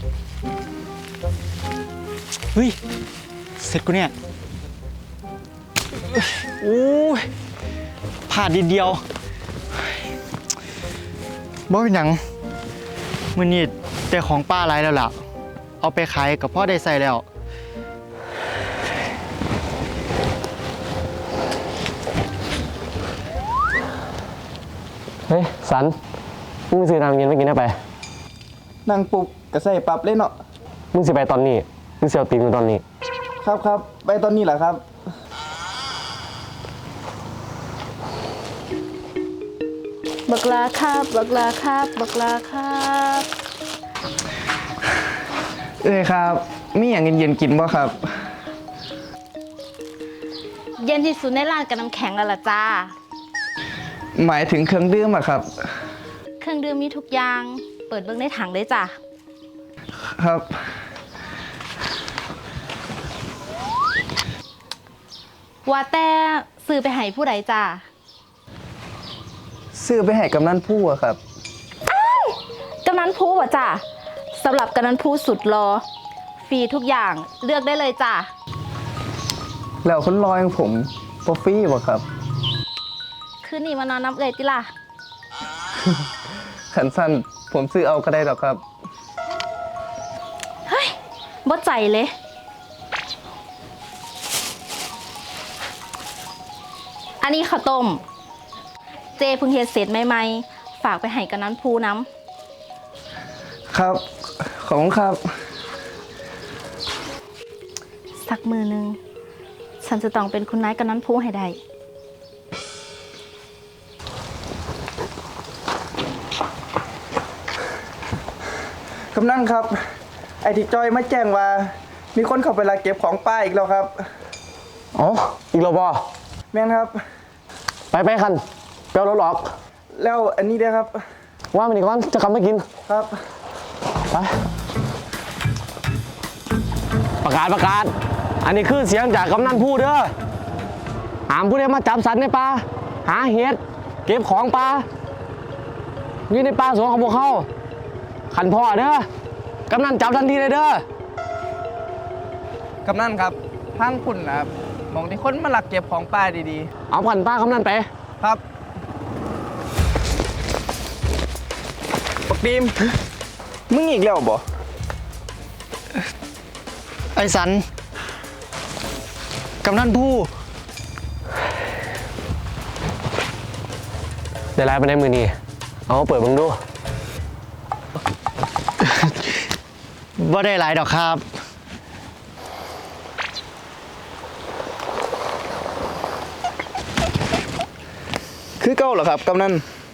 เฮ้ยเสร็จกูเนี่ยโอ้ยพลาดนิดเดียวบ่เป็นหยังมื้อนี้แต่ของป้าหลายแล้วล่ะเอาไปขายกับพ่อได้ใส่แล้วเฮ้ยสันมึงซื้อน้ำเย็นไม่กินได้ไปนั่งปุ๊บก็ใส่ปรับเลยเนาะมึงสิไปตอนนี้มึงเสียวตีมึงตอนนี้ครับไปตอนนี้แหละครับบักลาครับบักลาครับบักลาครับครับมีอย่างเย็นๆกินบ่ครับเย็นที่สุดในร้านกับน้ำแข็งแล้วล่ะจ้าหมายถึงเครื่องดื่มอะครับเครื่องดื่มมีทุกอย่างเปิดเบิ่งในถังเลยจ้ะครับว่าแต่ซื้อไปให้ผู้ใดจ้าซื้อไปให้กำนันผู้อะครับกำนันผู้ว่ะจ้าสำหรับกำนันผู้สุดรอฟรีทุกอย่างเลือกได้เลยจ้าแล้วคนรออย่างผมบ่ฟรีบ่ครับคืนนี้มานอนน้ำเอ่ยติล่ะขันสั้นผมซื้อเอาก็ได้หรอกครับเฮ้ยบ่ใจเลยอันนี้ข้าวต้มเจเพิ่งเฮ็ดเสร็จใหม่ๆฝากไปให้กำนันผู้น้ำครับขอบคุณครับสักมือนึงฉันจะต้องเป็นคุณนายกำนันผู้ให้ได้กำนันครับไอ้ที่จอยมาแจ้งว่ามีคนเข้าไปลักเก็บของป้าอีกแล้วครับอ๋ออีกแล้วบ่แม่นครับไปคันเปลวรถหลอกแล้วอันนี้ด้วยครับว่ามันอีกก่อนจะกลับมากินครับไปประกาศอันนี้คือเสียงจากกำนันผู้เด้อหามผู้ใดมาจับสัตว์ในป่าหาเห็ดเก็บของป่าอยู่ในป่าสวนของพวกเขาขันพ่อเด้อกำนันจับทันทีเลยเด้อกำนันครับทางคุณนะครับมองที่คนมาลักเก็บของป้าดีๆเอาขันป้ากำนันไปครับปักดีมมึงอีกแล้วบ่ไอ้สันกำนันผู้ได้ไลน์ไปในมือนี่เอาเปิดมึงดูว่าได้หลายดอกครับคือเก้าเหรอครับกำนัน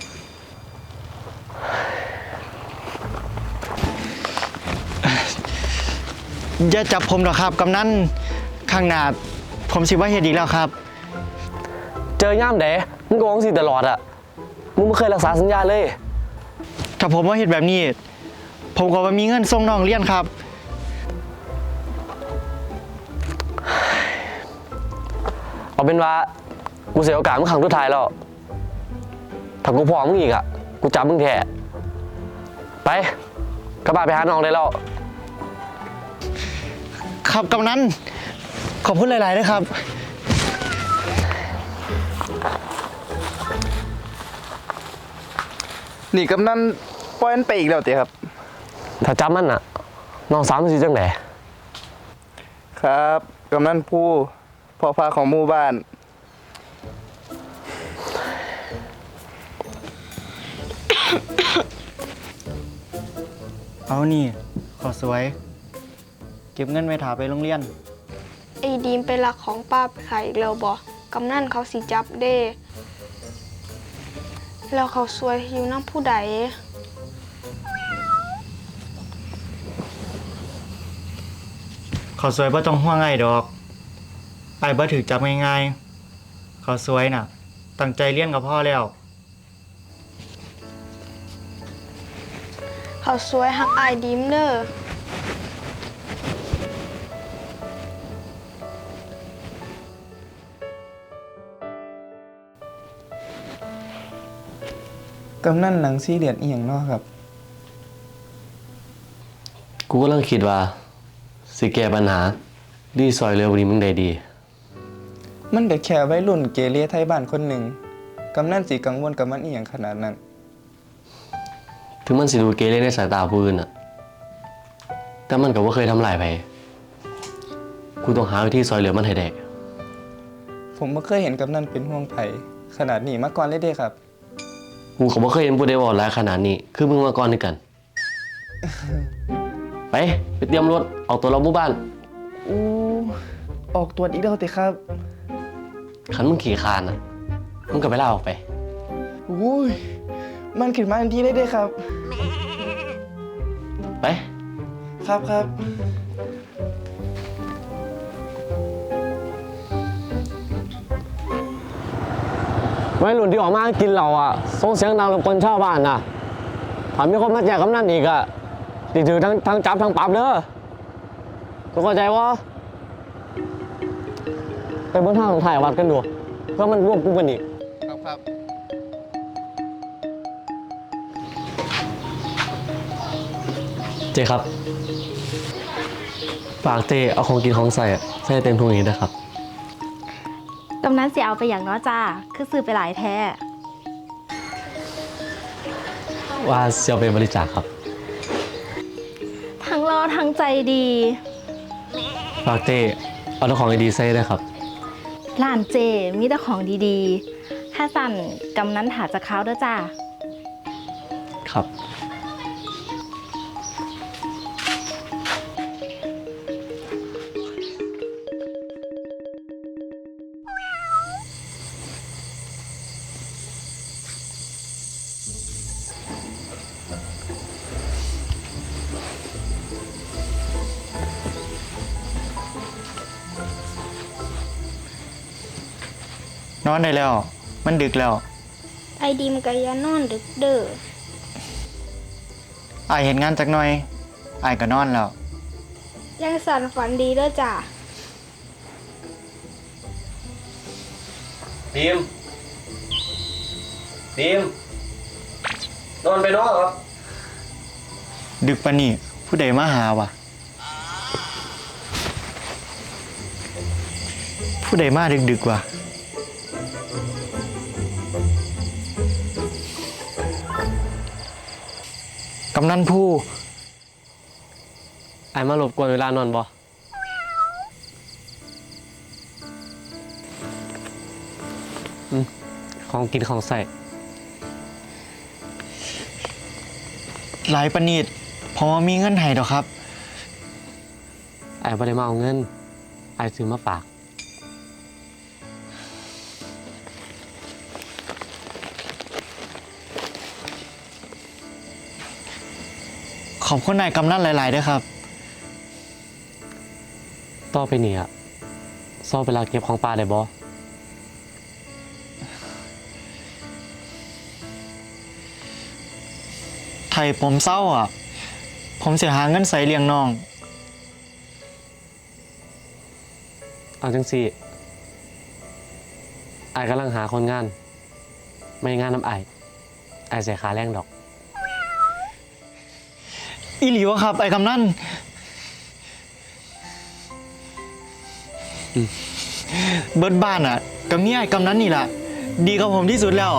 อย่าจับผมหรอกครับกำนันข้างหน้าผมสิว่าเฮ็ดอีกแล้วครับเจอย่ามเด๋มึงโกงสิตลอดอะมึงไม่เคยรักษาสัญญาเลยถ้าผมว่าเฮ็ดแบบนี้ผมก็ว่ามีเงินส่งน้องเรียนครับเอาเป็นว่ากูเสียโอกาสมึงครั้งสุดท้ายแล้วถ้ากูพอมึงอีกอะกูจับมึงแท้ไปกระบะไปหาน้องได้แล้วครับกำนันขอบคุณหลายๆนะครับนี่กำนันปล่อยมันไปอีกแล้วเต๋ครับถ้าจับมันอะน้องสาวมันสิจังได๋ครับกำนันผู้พ่อพาของหมู่บ้านเอานี่ขอสวยเก็บเงินไว้ถาไปโรงเรียนไอ้ดีมไปลักของป้าไปขายอีกแล้วบ่กำนันเขาสิจับเด้แล้วเขาซวยอยู่น้ำผู้ใดขอสวยบ่ต้องห่วงไอ้ดอกไอ้บ่ถูกจับง่ายๆขอสวยน่ะตั้งใจเรียนกับพ่อแล้วเขาซวยหักอายดีมเด้อกำนันหนังซีเรียสอีหยังเนาะครับกูกำลังคิดว่า สิแก้ปัญหาดีซอยเร็วนี้มึงได้ดีมันก็แค่วัยรุ่นเกเรไทยบ้านคนหนึ่งกำนันสิกังวลกับมันอีหยังขนาดนั้นถึงมันสิดูเกเรในสายตาผู้อื่นอะแต่มันก็บ่เคยทำลายไผกูต้องหาวิธีซอยเหลือมันให้ได้ผมบ่เคยเห็นกำนันเป็นห่วงไผขนาดนี้มาก่อนเลยเด้ครับกูก็บ่เคยเห็นผู้ใดเว้าหลายขนาดนี้ คือมึงมาก่อนด้วยกัน ไปเตรียมรถออกตัวเราหมู่บ้านอู้ออกตรวจอีกแล้วติครับคันมึงขี่คานน่ะมึงก็ไปลาออกไปอุ้ยมันขึ้นมาทันทีเลยเด้ครับไปครับครับวัยรุ่นที่ออกมากินเหล้าอ่ะส่งเสียงดังรบกวนชาวบ้านน่ะถ้ามีคนมาแจ้งกำนันอีกอ่ะติดถือทั้งจับทั้งปรับเด้อทุกเข้าใจวะไปเบื้องทางถ่ายวัดกันดูเพื่อมันรวบกลุ่มกันอีกครับครับเจครับฝากเจเอาของกินของใส่เต็มถุงนี้นะครับกำนันสิเอาไปอย่างน้อจ้า คือซื้อไปหลายแท้ว่าเสียไปบริจาคครับทั้งรอทั้งใจดีฝากเจเอาของดีๆใส่ด้วยครับร้านเจมีแต่ของดีๆ ถ้าสั่นกำนันถาจะเข้าเด้อจ้าครับนอนได้แล้ว มันดึกแล้วไอดีมก็อย่านอนดึกเด้ออายเห็นงานจักหน่อยอายก็นอนแล้วยังสั่นฝันดีเด้อจ้ะดีมนอนไปนอนครับดึกปานนี้ผู้ใดมาหาวะผู้ใดมาดึกๆวะกำนันผู้ไอ้มารบกวนเวลานอนบ่ของกินของใส่หลายปานนีดพอมีเงินให้ดอกครับไอ้บ่ได้มาเอาเงิน ไอ้ซื้อมาฝากขอบคุณนายกำนันหลายๆด้วยครับต่อไปนี่อะซ่อเวลาเก็บของปลาได้บ่ไทยผมเศร้าอ่ะ ผมเสียหาเงินใส่เลี้ยงน้องเอาจังสิไอ้กำลังหาคนงาน ไม่งานน้ำไอ้เสียค่าแรงดอกอีหลีวะครับ ไอ้กำนันเบิดบ้านอ่ะกับเมียไอ้กำนันนี่แหละดีกับผมที่สุดแล้ว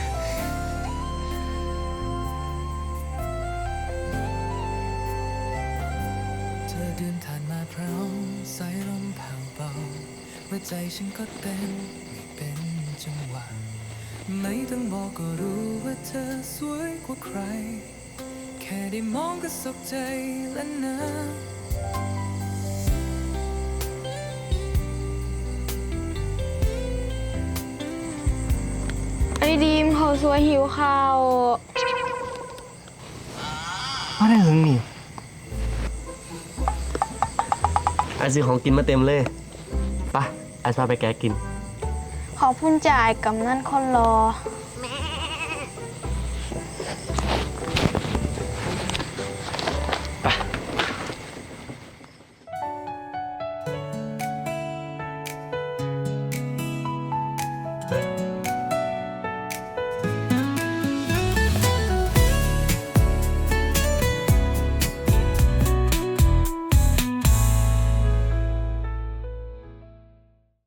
เธอเดินผ่านมาพร้อมสายลมผ่าเบาหัวใจฉันก็เต้นไม่เป็นจังหวะไม่ต้องบอกก็รู้ว่าเธอสวยกว่าใคร แค่ได้มองก็สุขใจแล้วนะไอดีมเขาสวยหิวข้าวมาได้หึงนี่ไอ้ซื้อของกินมาเต็มเลยไปไอ้พาไปแกะกินขอบคุณจ่ายกำนันคนรอ